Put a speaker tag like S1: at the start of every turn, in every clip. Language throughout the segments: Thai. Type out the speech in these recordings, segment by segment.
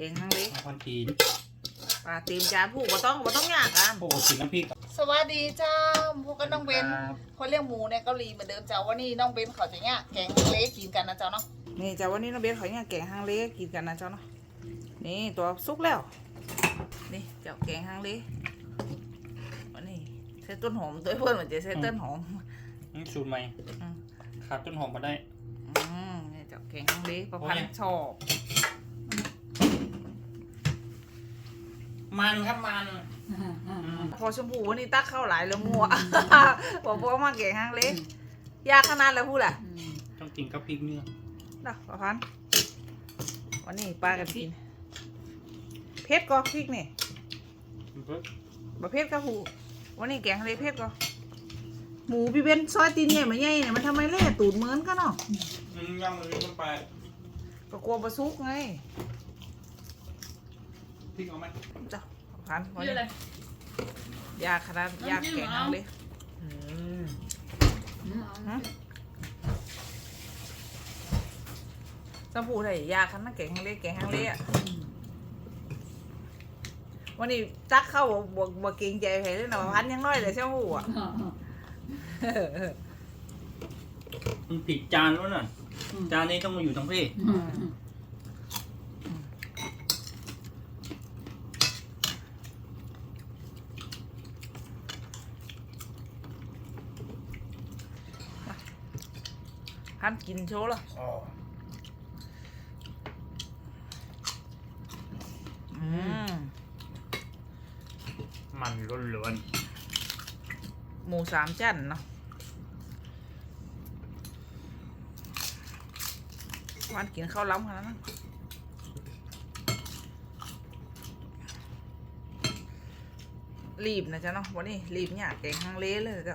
S1: งฮังเล
S2: พันทีน
S1: ปลาตีมจานผู้บ่ต้องยากกัน
S2: โอ้กินน้ำพริก
S3: สวัสดีเจ้าพวกก็น้องเบนคนเลี้ยงหมูในเกาหลีเหมือนเดิมเจ้าวันนี้น้องเบนเขาจะเนี่ยแกงเล็กกินกันนะเจ้าเนาะ
S1: นี่เจ้าวันนี้น้องเบนเขาเนี่ยแกงฮังเลกินกันนะเจ้าเนาะนี่ตัวสุกแล้วนี่เจ้าแกงฮังเลวันนี้ใส่ต้นหอมตัวเพื่อนเหมือนจะใส่ต้นหอม
S2: นี่สูตรใหม่ขาดต้นหอมมาได้
S1: นี่เจ้าแกงฮังเลประพันธ์ชอบ
S2: มันครับมัน
S1: พอชมพูวันนี้ตักเข้าหลายแล้วมัวบอกว่ามาแกงฮังเลยากขนาดแล้วพูดแหละ
S2: ต้องกินกับพริกเนื้อ
S1: ดอกประพันธ์วันนี้ปลากระทินเผ็ดก็พริกนี่บะเผ็ดก็หูวันนี้แกงฮังเลเผ็ดก็หมูพี่เบนซอยตีนใหญ่มาใหญ่เนี่ยมันทำไมเล่ตูดเหมือนกันเนาะ
S2: ย่ำมันลงไป
S1: ก็กลัวปลาซุกไง
S2: พริกเอาไหม
S1: จ้ะพันวันนี้ยากขนาดยากแกงฮังเลสมพูไทยยากขนาดแกงฮังเลอ่ะวันนี้ตักเข้าบวกเก่งใจใครเลยนะพันยังน้อยเลยใช่ไหมหูอ่ะ
S2: มันผิดจานแล้วน่ะจานนี้ต้องมาอยู่ทั้งพี่
S1: พันกินโชว์ละ
S2: มันล้วน
S1: หมูสามชั้นเนาะวันกินข้าวล้ำขนาดนั้นรีบนะจ๊ะเนาะวันนี้รีบเนี่ยแกงฮังเลเลยจ้ะ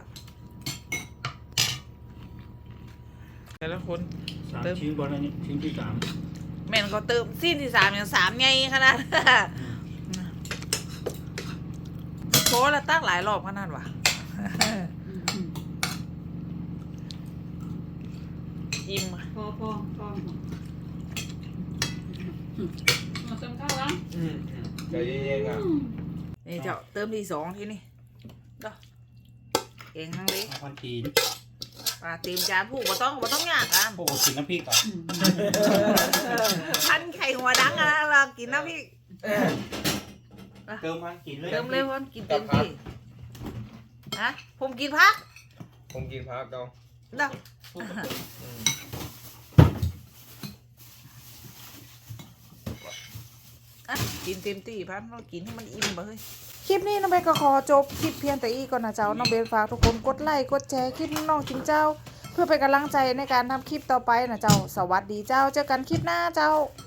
S1: แต่ละคน
S2: เติมชิ้นบอลนี่ชิ้นที่3
S1: แม่นก็เติมสิ้นที่3อย่าง3ไงขนาดโค้ละตั้งหลายรอบขนาดว่ะอิ่ม
S3: พอมาเติมข้าวแล้ว
S4: ใจเย็นๆอ่ะ
S1: นี่เจ้าเติมที่2ที่นี่ก็เองฮังเล
S2: พันทีน
S1: ปลาตีมจานผู้บ่ต้องยากกัน
S2: โอ้กินน้ำพริกอ่ะ
S1: พันไข่หัวดังอะเรากินน้ำพริก
S2: เติมพันกินเลย
S1: เติมเลยพันกินเต็มที่ฮะผมกินพัก
S4: เจ้า
S1: เด้อกินเต็มที่พันเรากินให้มันอิ่มไปเลยคลิปนี้น้องเบนก็ขอจบคลิปเพียงแต่อีกก่อนนะเจ้าน้องเบนฝากทุกคนกดไลค์กดแชร์คลิปน้องจิงเจ้าเพื่อเป็นกำลังใจในการทำคลิปต่อไปนะเจ้าสวัสดีเจ้าเจอกันคลิปหน้าเจ้า